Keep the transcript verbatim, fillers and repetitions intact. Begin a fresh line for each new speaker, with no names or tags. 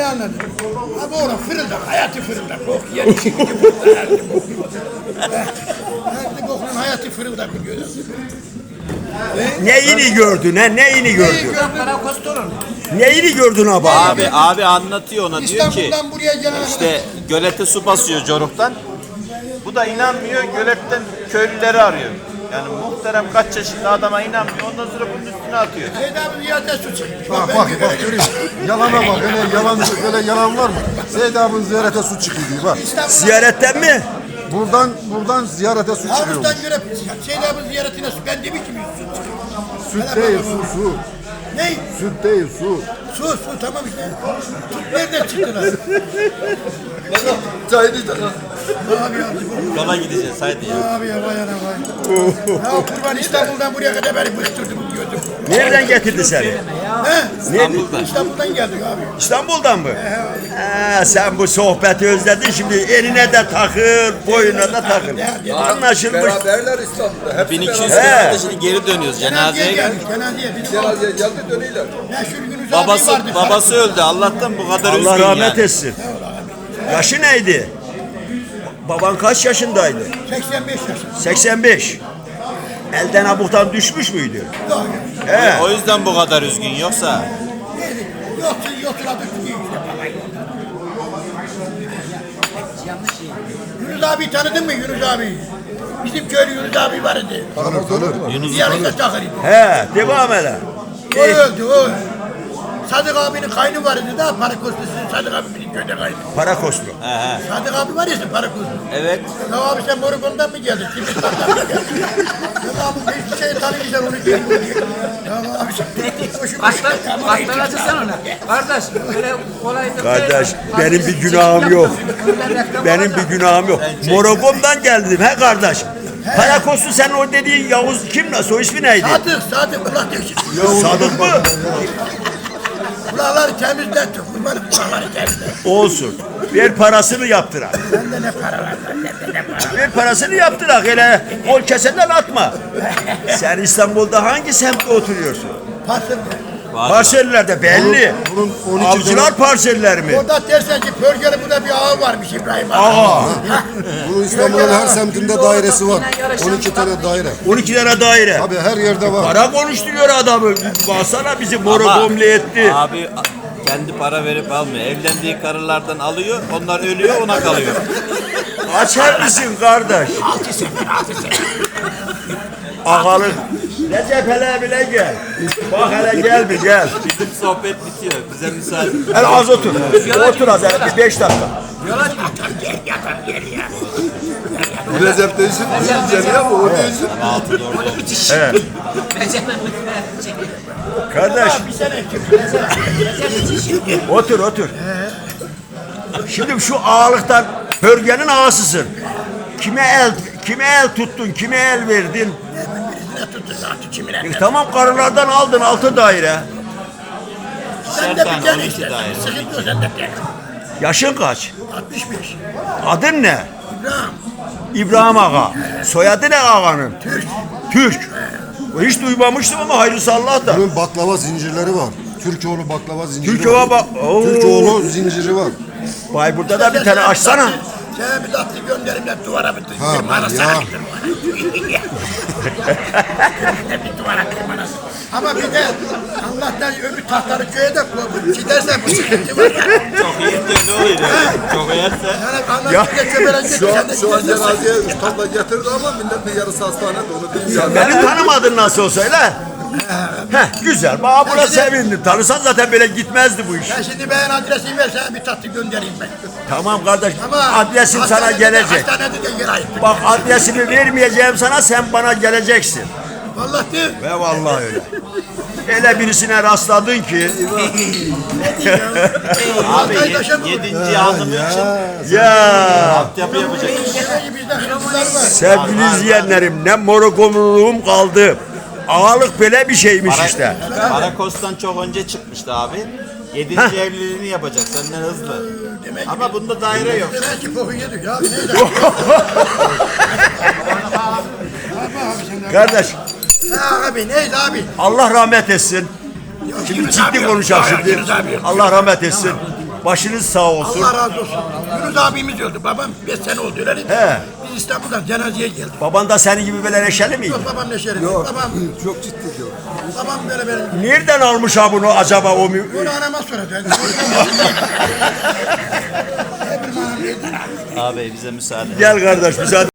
Ne anladın? Abi oğlum fırıldak, hayatı fırıldak. Oh, yer işi gibi Her kokunun hayatı fırıldak biliyorsun.
Neyini gördün ha? Neyini gördün?
Karakostorun.
Neyini gördün abi?
Abi abi anlatıyor ona diyor ki
İstanbul'dan buraya gelen
işte gölete su basıyor Coruk'tan. Bu da inanmıyor göletten köylüleri arıyor. Yani muhterem kaç yaşında adama inanmıyor. Ondan sonra bunun üstüne atıyor.
Seyit abi ziyade su çıkmış.
Bak bak bak göreyim. Yalana bak. Öyle yalan böyle yalan var mı? Seyit abinin ziyarete su çıkıyor diyor bak.
Ziyaretten mi?
Buradan buradan ziyarete su çıkıyor.
Havuzdan göre Seyit abi ziyaretine su. Ben demiş gibi su çıkıyor.
Süt değil su su.
Ne?
Süt değil su.
Su su tamam işte. Tut nereden çıktı lan?
Çayını işte.
Abi ya.
Yola gideceğiz haydi ya.
Abi ya vay ana vay. Ya kurban İstanbul'dan buraya kadar beni bıktırdı bu gözüm.
Nereden getirdi seni?
He?
İstanbul'dan.
İstanbul'dan geldik abi.
İstanbul'dan mı? Ha, sen bu sohbeti özledin şimdi eline de takıl, boyuna da takıl. Anlaşılmış.
Beraberler İstanbul'da. Hep
bin iki yüz
He.
kilometre şimdi geri dönüyoruz
Cenazeye
cenazeye
geldik.
geldik.
Cenazeye. Bizim
cenazeye geldi dönüyorlar.
meşhur Yunus abi
Babası
vardı.
babası öldü Allah'tan bu kadar üzgün
Allah rahmet
yani.
etsin. Yaşı neydi? Baban kaç yaşındaydı?
seksen beş yaşında.
seksen beş. Elden abuktan düşmüş müydü?
Yok.
He.
O yüzden bu kadar üzgün yoksa
Yedik. Yoksa yotuladık. Yunus abi tanıdın mı Yunus abi? Bizim köylü Yunus abi vardı.
Tanır tanır.
Yunus
Yarışta takılıydı.
He, devam ele.
O öldü o. Sadık abinin kaynı vardı da Parakoslu sizin Sadık abi bizim köyde kaynı.
Para kostru.
he he.
Sadık abi var ya sen Parakoslu.
Evet.
Ya abi sen Morukon'dan mı geldin? Kimiston'dan mı geldin? Ya abi hiçbir şey tanımayacaksın onu diye. Ya abi sen hoşuma
Baktıracı sen ona. Kardeş böyle kolay da
Kardeş benim bir günahım yok. Benim bir günahım yok. Morogom'dan geldim he kardeş. Para kostru sen o dediğin Yavuz kim la? Soy ismi neydi?
Sadık, Sadık ulan diyorsun.
Sadık mı?
Kulakları temizlet, kurbanım kulakları temizlet.
Olsun. Ver parasını yaptırak.
Bende ne para var, bende ne para var.
Ver parasını yaptırak. Hele kol keseden atma. Sen İstanbul'da hangi semtte oturuyorsun?
Parsel.
Parsellerde belli.
Bunun on iki
Avcılar parseller mi?
Orada dersen ki Pörgeli burada bir ağa varmış İbrahim abi.
Aa.
Bunun İstanbul'un her semtinde dairesi var. on iki tane daire.
on iki tane daire.
Abi her yerde var.
Para konuşturuyor adamı. Baksana bizi morogomle etti.
Abi kendi para verip almıyor. Evlendiği karılardan alıyor. Onlar ölüyor ona kalıyor.
Açar mısın kardeş? Ağalık. Recep hele bile gel. Bak hele gel bir gel.
Bizim sohbet bitiyor. Bize müsaade.
Hele az otur. Otur az hele bir beş dakika.
Recep değişir. Diyeceğim ya bu o değişir.
Altı doğru.
Evet. Kardeş
Bir sene
otur otur. Şimdi şu ağalıktan Hörgen'in ağasısın. Kime el kime el tuttun, kime el verdin?
birisine tuttu zaten kimine.
E, tamam karılardan aldın altı daire.
Sen de bir tane işte. Sıkıntı yok sen de bir tane.
Yaşın kaç?
altmış beş.
Adın ne?
İbrahim.
İbrahim Ağa. Soyadı ne ağanın?
Türk.
Türk. Hiç duymamıştım ama hayırlısı Allah da.
Bunun baklava zincirleri var. Türkoğlu baklava zinciri
Türkoğlu
var.
bak. Oo.
Türkoğlu zinciri var.
Bayburt'ta da bir tane açsana.
Sen bir tatlı gönderimle duvara bir
Ha,
tırmanası
ya.
açtın. Bir duvara tırmanası. Ama bir de Allah'tan öbür tahtları köye de koydum. Gidersen bu sıkıntı var ya.
Çok iyi de ne oluyor? Çok yerse.
Yani
Ya.
Allah'tan köpeğe
Şu an,
sen de
şu an
gidersen.
cenazeye ustamla getirdi ama milletin yarısı hastanede onu diyeceğim.
Beni tanımadın nasıl olsa öyle. Heh, güzel. Bana buna sevindim. Tanısan zaten böyle gitmezdi bu iş.
Ben şimdi ben adresimi ver sana bir tatlı göndereyim ben.
Tamam kardeş.
Ama
Adresim sana
hastanede de-
gelecek.
Hastanede de yer ayıttı.
Bak adresimi vermeyeceğim sana, sen bana geleceksin.
Vallahi değil.
Ve vallahi öyle. Öyle birisine rastladın ki.
Abi yed- yedinci hanım için
Ya
altyapı yapacak.
Bizde hırsızlar var.
sevgili izleyenlerim, ne morogomluluğum kaldı. Ağalık böyle bir şeymiş işte.
Parakos'tan çok önce çıkmıştı abi. Yedinci evliliğini yapacak senden hızlı.
Demek
Ama bunda daire yok.
Demek ki boku yedik ya. Neyse.
Kardeş
Ha abi neyse abi.
Allah rahmet etsin. Şimdi ciddi konuşalım şimdi. Allah rahmet etsin. Başınız sağ olsun.
Allah razı olsun. Yunus abimiz öldü. Babam beş sene oldu öyle değil mi?
He.
Biz İstanbul'dan cenazeye geldik.
Baban da senin gibi böyle neşeli miydi?
Yok babam neşeli.
Yok,
Babam,
çok ciddi diyor.
babam böyle benim.
Nereden almış ha bunu acaba o mü?
Bunu anama soracak. Hep anam dedi.
Abi bize müsaade.
Gel kardeş müsaade.